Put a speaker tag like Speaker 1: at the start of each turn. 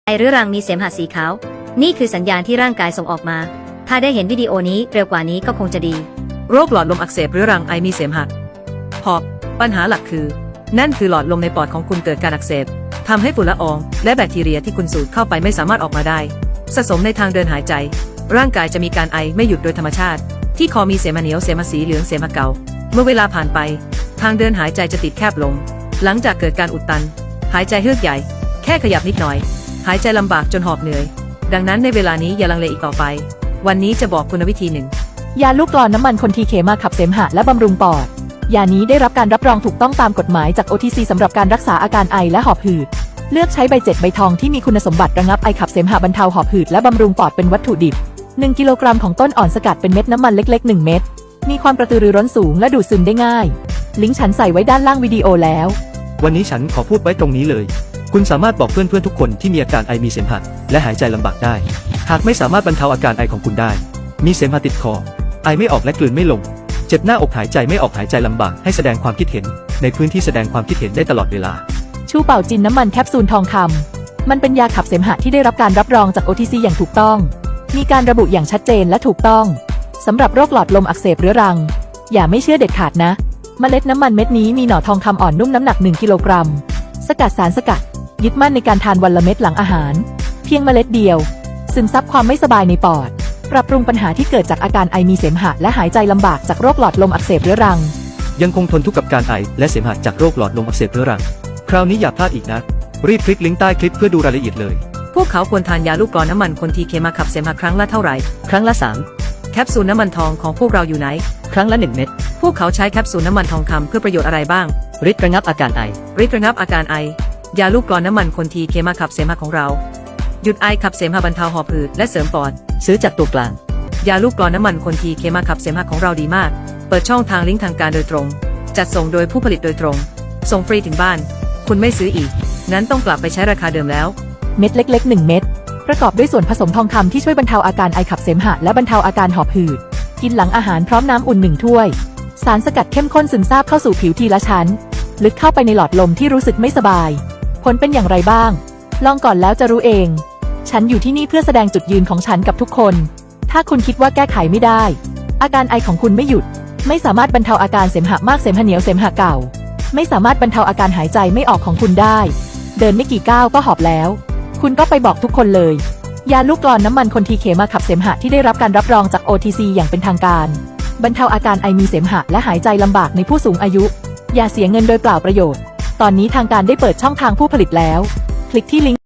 Speaker 1: ไอเรื้อรังมีเสมหะสีขาวนี่คือสัญญาณที่ร่างกายส่งออกมาถ้าได้เห็นวิดีโอนี้เร็วกว่านี้ก็คงจะดี
Speaker 2: โรคหลอดลมอักเสบเรื้อรังไอมีเสมหะหอบปัญหาหลักคือนั่นคือหลอดลมในปอดของคุณเกิดการอักเสบทำให้ฝุ่นละอองและแบคทีเรียที่คุณสูดเข้าไปไม่สามารถออกมาได้สะสมในทางเดินหายใจร่างกายจะมีการไอไม่หยุดโดยธรรมชาติที่คอมีเสมหะเหนียวเสมหะสีเหลืองเสมหะเก่าเมื่อเวลาผ่านไปทางเดินหายใจจะติดแคบลงหลังจากเกิดการอุดตันหายใจเฮือกใหญ่แค่ขยับนิดหน่อยหายใจลำบากจนหอบเหนื่อยดังนั้นในเวลานี้อย่าลังเลอีกต่อไปวันนี้จะบอกคุณวิธีหนึ่ง
Speaker 3: ยาลูกกลอนน้ำมันคนทีเคมาขับเสมหะและบำรุงปอดยานี้ได้รับการรับรองถูกต้องตามกฎหมายจาก OTC สำหรับการรักษาอาการไอและหอบหืดเลือกใช้ใบ7ใบทองที่มีคุณสมบัติระงับไอขับเสมหะบรรเทาหอบหืดและบำรุงปอดเป็นวัตถุดิบ1 กิโลกรัมของต้นอ่อนสกัดเป็นเม็ดน้ำมันเล็กๆ1เม็ดมีความกระตือรือร้นสูงและดูดซึมได้ง่ายลิงก์ฉันใส่ไว้ด้านล่างวิดีโอแล้ว
Speaker 4: วันนี้ฉันขอพูดไว้ตรงนี้เลยคุณสามารถบอกเพื่อนๆทุกคนที่มีอาการไอมีเสมหะและหายใจลำบากได้หากไม่สามารถบรรเทาอาการไอของคุณได้มีเสมหะติดคอไอไม่ออกและกลืนไม่ลงเจ็บหน้าอกหายใจไม่ออกหายใจลำบากให้แสดงความคิดเห็นในพื้นที่แสดงความคิดเห็นได้ตลอดเวลา
Speaker 3: ชูเป่าจินน้ำมันแคปซูลทองคำมันเป็นยาขับเสมหะที่ได้รับการรับรองจาก OTC อย่างถูกต้องมีการระบุอย่างชัดเจนและถูกต้องสำหรับโรคหลอดลมอักเสบเรื้อรังอย่าไม่เชื่อเด็ดขาดนะเมล็ดน้ำมันเม็ดนี้มีหน่อทองคำอ่อนนุ่มน้ำหนัก1 กิโลกรัมสกัดสารสกัดยึดมั่นในการทานวันละเม็ดหลังอาหารเพียงเมล็ดเดียวซึมซับความไม่สบายในปอดปรับปรุงปัญหาที่เกิดจากอาการไอมีเสมหะและหายใจลำบากจากโรคหลอดลมอักเสบเรื้อรัง
Speaker 4: ยังคงทนทุกข์กับการไอและเสมหะจากโรคหลอดลมอักเสบเรื้อรังคราวนี้อย่าพลาดอีกนะรีบคลิกลิงก์ใต้คลิปเพื่อดูรายละเอียดเลย
Speaker 2: พวกเขาควรทานยาลูกกลอนน้ำมันคนทีเคมาขับเสมหะครั้งละเท่าไหร่ครั้งละ3แคปซูลน้ำมันทองของพวกเราอยู่ไหนครั้งละ1เม็ดพวกเขาใช้แคปซูลน้ำมันทองคำเพื่อประโยชน์อะไรบ้าง
Speaker 5: ฤทธิ์ระงับอาการไอ
Speaker 2: ฤทธิ์ระงับอาการไอยาลูกกลอนน้ำมันคนทีเคมาขับเสมหะของเราหยุดไอขับเสมหะบรรเทาหอบหืดและเสริมปอด
Speaker 5: ซื้อจากตัวกลาง
Speaker 2: ยาลูกกลอนน้ำมันคนทีเคมาขับเสมหะของเราดีมากเปิดช่องทางลิงก์ทางการโดยตรงจัดส่งโดยผู้ผลิตโดยตรงส่งฟรีถึงบ้านคุณไม่ซื้ออีกนั้นต้องกลับไปใช้ราคาเดิมแล้ว
Speaker 3: เม็ดเล็กๆ1เม็ดประกอบด้วยส่วนผสมทองคำที่ช่วยบรรเทาอาการไอขับเสมหะและบรรเทาอาการหอบหืดกินหลังอาหารพร้อมน้ำอุ่น1 ถ้วยสารสกัดเข้มข้นซึมซาบเข้าสู่ผิวทีละชั้นลึกเข้าไปในหลอดลมที่รู้สึกไม่สบายผลเป็นอย่างไรบ้างลองก่อนแล้วจะรู้เองฉันอยู่ที่นี่เพื่อแสดงจุดยืนของฉันกับทุกคนถ้าคุณคิดว่าแก้ไขไม่ได้อาการไอของคุณไม่หยุดไม่สามารถบรรเทาอาการเสมหะมากเสมหะเหนียวเสมหะเก่าไม่สามารถบรรเทาอาการหายใจไม่ออกของคุณได้เดินไม่กี่ก้าวก็หอบแล้วคุณก็ไปบอกทุกคนเลยยาลูกกลอนน้ำมันคนทีเคมาขับเสมหะที่ได้รับการรับรองจาก OTC อย่างเป็นทางการบรรเทาอาการไอมีเสมหะและหายใจลำบากในผู้สูงอายุอย่าเสียเงินโดยเปล่าประโยชน์ตอนนี้ทางการได้เปิดช่องทางผู้ผลิตแล้วคลิกที่ลิงก์